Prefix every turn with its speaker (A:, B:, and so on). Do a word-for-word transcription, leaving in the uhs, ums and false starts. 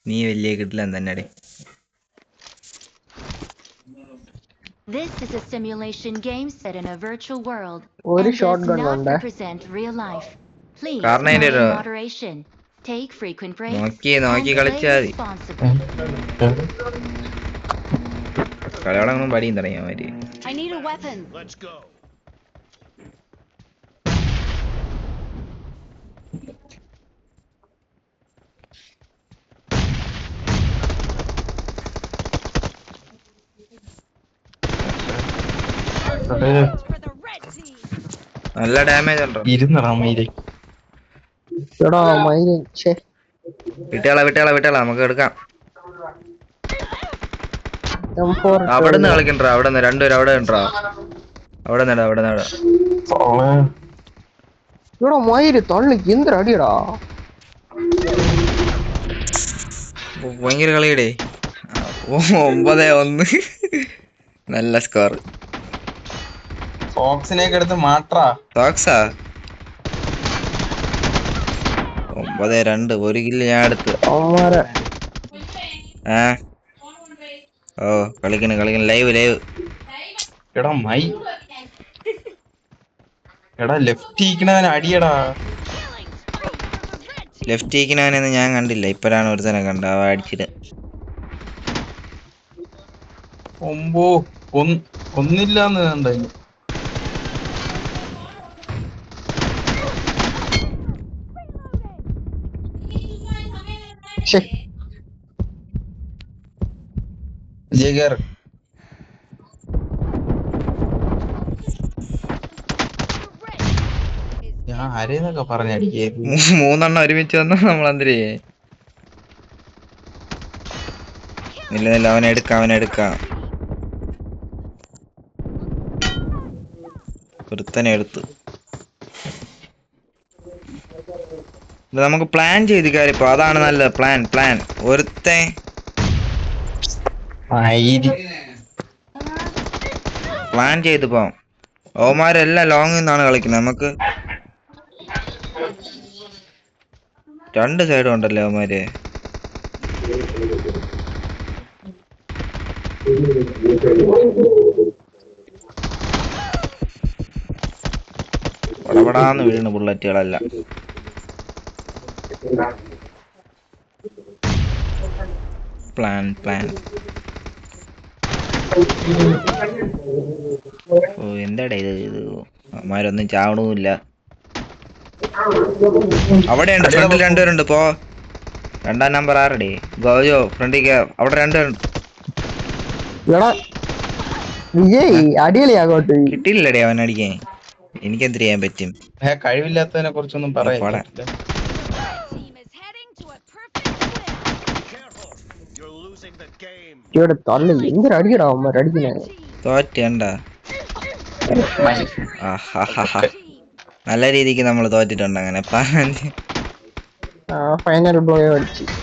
A: നീ വലിയ കിട്ടില്ല തന്നെ.
B: This is a simulation game set in a virtual world
C: ഒരു
B: and
C: shot
B: does
C: gun
B: not
C: ഉണ്ട്.
B: represent real life. Please
A: കാരണം
B: play
A: അതിന്റെ
B: in
A: ഒരു
B: moderation, take frequent breaks,
A: നോക്കി
B: and
A: നോക്കി
B: play
A: കളിച്ചാൽ മതി.
B: responsibly.
A: കളിയോടൊന്നും പടിയും തുടങ്ങിയ മാതിരി.
B: I need a weapon.
D: Let's go.
A: നല്ല ഡാമേജ് ഉണ്ടോ?
E: ഇരുന്നടാ മയില്.
C: എടാ മയില് ഛേ
A: വിട്ടേളാ വിട്ടേളാ വിട്ടേളാ നമുക്ക് എടുക്കാം.
C: എം ഫോർ
A: അവിടെ നിന്ന് കളിക്കണ്ടാ, അവിടെ നിന്ന് രണ്ടുപേരും അവിടെ ഉണ്ടാ, അവിടെ നടാ അവിടെ നടാ.
C: ഇവിടെ മയില് തള്ളിക്ക് എന്തൊരു അടിയടാ.
A: ഭയങ്കര കളിയടേ. ഒമ്പത് ഒന്ന് നല്ല സ്കോർ.
E: സോക്സിനെയൊക്കെ എടുത്ത് മാറ്റാ.
A: സോക്സാ ഒമ്പത് രണ്ട് ഒരു കില്ല് ഞാൻ എടുത്ത്. ഏ ഓ കളിക്കണ് കളിക്കണ് ലൈവ് ലൈവ്.
E: എടാ മൈ എടാ ലെഫ്റ്റ് ഇരിക്കണവൻ അടിയടാ.
A: ലെഫ്റ്റ് ഇരിക്കണവനെന്ന് ഞാൻ കണ്ടില്ല, ഇപ്പഴാണ് ഒരു തന്നെ കണ്ട. അവ അടിച്ചിട്ട്
E: ഒമ്പോ ഒന്നില്ലാന്ന് കണ്ടു. ജഗർ ഞാൻ ആരേന്നൊക്കെ പറഞ്ഞടിക്കേ.
A: മൂന്നെണ്ണം ഒരുമിച്ച് വന്നാ നമ്മളെന്തിരേ. ഇല്ല ഇല്ല അവനെ എടുക്കാം അവനെ എടുക്കാം. ഒരുത്തനെ എടുത്ത്. നമുക്ക് പ്ലാൻ ചെയ്ത് കാര്യപ്പോ അതാണ് നല്ല പ്ലാൻ. പ്ലാൻ ഒരുത്തെ പ്ലാൻ ചെയ്ത് പോവാം. ഓമാരെല്ലാം ലോങ്ങിൽ നിന്നാണ് കളിക്കുന്നത്. നമുക്ക് രണ്ട് സൈഡും ഉണ്ടല്ലോ അവന്മാര്. പടപടാന്ന് വീണ് ബുള്ളറ്റുകളെല്ലാം. പ്ലാൻ പ്ലാൻ ഓ എന്താടാ ഇത് ഇത് അവന്മാരൊന്നും ചാവണമില്ല. അവിടെയുണ്ട് ഫ്രണ്ടിൽ രണ്ടുപേരുണ്ട്. പോ രണ്ടാം നമ്പർ ആറടി ഗോജോ ഫ്രണ്ടിൽ അവിടെ രണ്ടുപേരുണ്ട്. കിട്ടിയില്ലടേ അവൻ അടിക്കാൻ. എനിക്കെന്ത് ചെയ്യാൻ പറ്റും?
E: കഴിവില്ലാത്തതിനെ കുറിച്ചൊന്നും പറയാൻ
C: അടിക്കടാ അവന്മാർ അടിക്കണേ.
A: തോറ്റണ്ട നല്ല രീതിക്ക് നമ്മൾ തോറ്റിട്ടുണ്ട്. അങ്ങനെ
C: ഫൈനൽ ബ്ലോ അടിച്ചു.